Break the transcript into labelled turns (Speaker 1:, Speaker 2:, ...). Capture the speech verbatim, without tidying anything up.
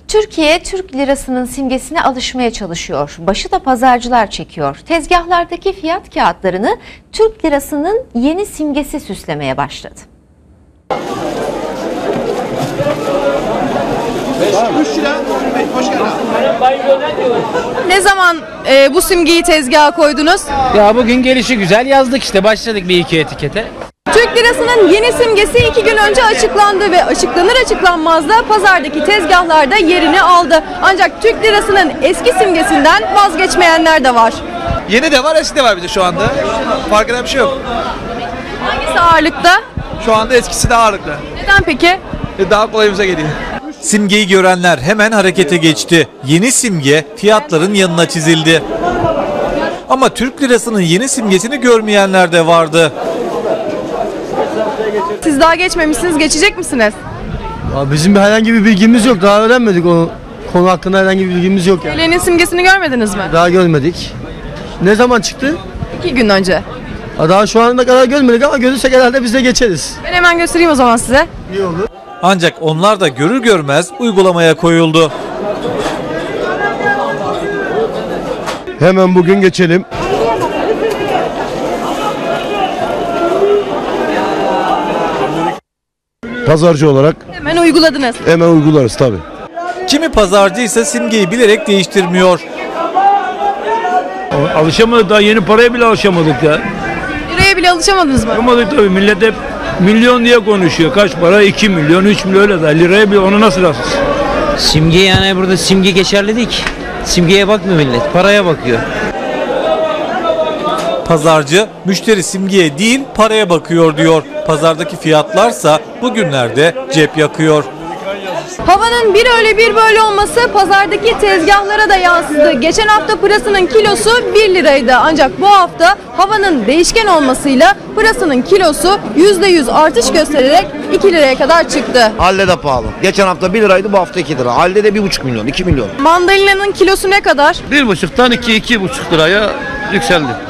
Speaker 1: Türkiye, Türk lirasının simgesine alışmaya çalışıyor. Başı da pazarcılar çekiyor. Tezgahlardaki fiyat kağıtlarını Türk lirasının yeni simgesi süslemeye başladı.
Speaker 2: Ne zaman e, bu simgeyi tezgaha koydunuz?
Speaker 3: Ya bugün gelişi güzel yazdık işte, başladık bir iki etikete.
Speaker 2: Türk lirasının yeni simgesi iki gün önce açıklandı ve açıklanır açıklanmaz da pazardaki tezgahlarda yerini aldı. Ancak Türk lirasının eski simgesinden vazgeçmeyenler de var.
Speaker 4: Yeni de var, eski de var bir de şu anda. Fark eden bir şey yok.
Speaker 2: Hangisi ağırlıkta?
Speaker 4: Şu anda eskisi daha ağırlıklı.
Speaker 2: Neden peki?
Speaker 4: Daha kolayımıza geliyor.
Speaker 5: Simgeyi görenler hemen harekete geçti. Yeni simge fiyatların yanına çizildi. Ama Türk lirasının yeni simgesini görmeyenler de vardı.
Speaker 2: Siz daha geçmemişsiniz, geçecek misiniz?
Speaker 6: Abi bizim bir herhangi bir bilgimiz yok. Daha öğrenmedik o konu hakkında, herhangi bir bilgimiz yok yani.
Speaker 2: T L'nin simgesini görmediniz mi?
Speaker 6: Daha görmedik. Ne zaman çıktı?
Speaker 2: İki gün önce.
Speaker 6: Daha şu ana kadar görmedik ama görürsek herhalde biz de geçeriz.
Speaker 2: Ben hemen göstereyim o zaman size.
Speaker 6: İyi olur.
Speaker 5: Ancak onlar da görür görmez uygulamaya koyuldu.
Speaker 7: Hemen bugün geçelim. Pazarcı olarak
Speaker 2: Hemen uyguladınız.
Speaker 7: hemen uygularız tabii.
Speaker 5: Kimi pazarcıysa simgeyi bilerek değiştirmiyor.
Speaker 8: Alışamadık, daha yeni paraya bile alışamadık ya.
Speaker 2: Liraya bile alışamadınız mı?
Speaker 8: Alışamadık tabii, millet hep milyon diye konuşuyor. Kaç para? iki milyon, üç milyon öyle de. Liraya bile onu nasıl alışsın?
Speaker 3: Simge, yani burada simge geçerli değil ki. Simgeye bakmıyor millet, paraya bakıyor.
Speaker 5: Pazarcı müşteri simgeye değil paraya bakıyor diyor. Pazardaki fiyatlarsa bugünlerde cep yakıyor.
Speaker 2: Havanın bir öyle bir böyle olması pazardaki tezgahlara da yansıdı. Geçen hafta pırasının kilosu bir liraydı. Ancak bu hafta havanın değişken olmasıyla pırasının kilosu yüzde yüz artış göstererek iki liraya kadar çıktı.
Speaker 9: Halde de pahalı. Geçen hafta bir liraydı, bu hafta iki lira. Halde de bir buçuk milyon, iki milyon.
Speaker 2: Mandalina'nın kilosu ne kadar?
Speaker 8: Bir buçuktan iki, iki buçuk liraya yükseldi.